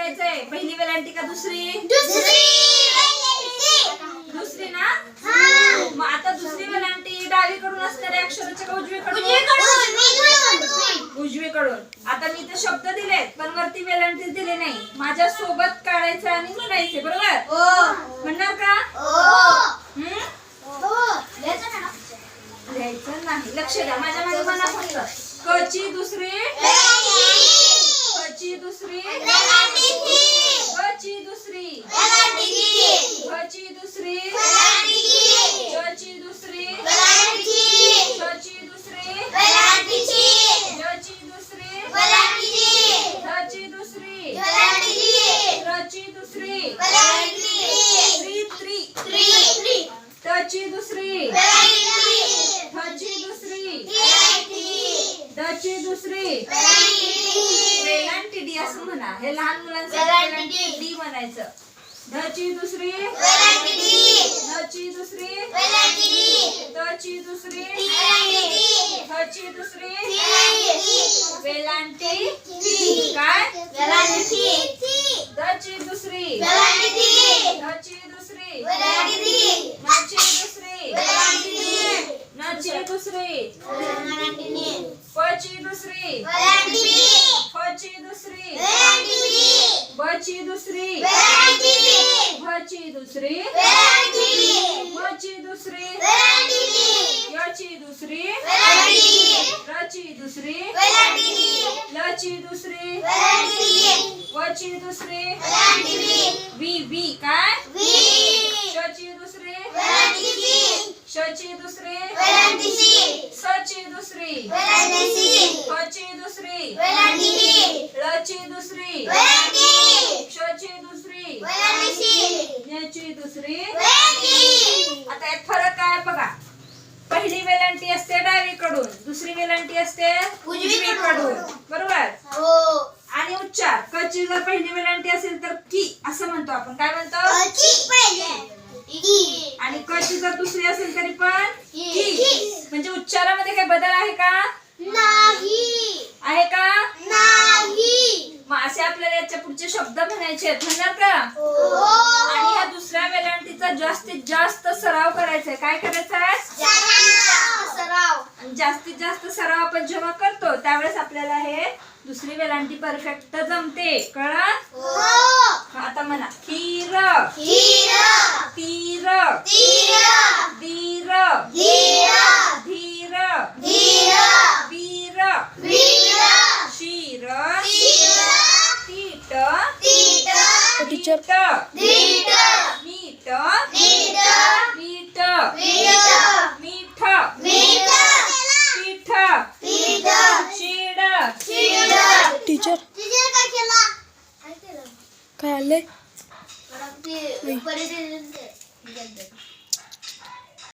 बघायचंय. पहिली वेलांटी का दुसरी? दुसरी ना. मग आता दुसरी वेलांटी डावीकडून असणाऱ्या अक्षराच्या का उजवीकडून? उजवीकडून. आता मी ते शब्द दिलेत पण वरती वेलांटी दिले नाही. माझ्या सोबत काढायचं आणि म्हणायचे. बरोबर म्हणणार का? लिहायचं नाही. लक्ष द्या. माझ्या मागे म्हणा फक्त. क ची दुसरी, क ची दुसरी, क ची दुसरी, क ची दुसरी, च ची दुसरी, च ची दुसरी, ज ची दुसरी, ध ची दुसरी, र ची दुसरी, त ची दुसरी, थ ची दुसरी, द ची दुसरी. वेलांटी डी असं म्हणा. हे लहान मुलांसाठी डी म्हणायचं. ध ची दुसरी, न ची दुसरी, त ची दुसरी, थ ची दुसरी. वेलांटी काय? द ची दुसरी, ध ची दुसरी, न ची दुसरी, न ची दुसरी, प ची दुसरी, फ ची दुसरी, ब ची दुसरी, भ ची दुसरी, म ची दुसरी, य ची दुसरी, र ची दुसरी, ल ची दुसरी, व ची दुसरी. वी काय? श ची दुसरी, श ची दुसरी, स ची दुसरी, फ ची दुसरी, ल ची दुसरी, श ची दुसरी, य ची दुसरी. आता यात फरक काय बघा. पहिली वेलांटी असते डावीकडून, दुसरी वेलांटी असते उजवीकडून. बरोबर. आणि उच्चार. क ची जर पहिली वेलांटी असेल तर की असं म्हणतो आपण. काय म्हणतो? आणि क ची जर दुसरी असेल तरी पण की. म्हणजे उच्चारामध्ये काही बदल आहे का? नाही. आहे का? नाही. मग असे आपल्याला याच्या पुढचे शब्द म्हणायचे आहेत. म्हणणार का? आणि ह्या दुसऱ्या वेलांटीचा जास्तीत जास्त सराव करायचा आहे. काय करायचा आहे? जास्तीत जास्त सराव आपण जेव्हा करतो त्यावेळेस आपल्याला हे दुसरी वेलांटी परफेक्ट जमते. कळलं? आता म्हणा. खीर, तीर, धीर, धीर, वीर, शीर, तीट, मीठ, मीठ, मीठ, पीठ, शीड. टीचर काय आलंय?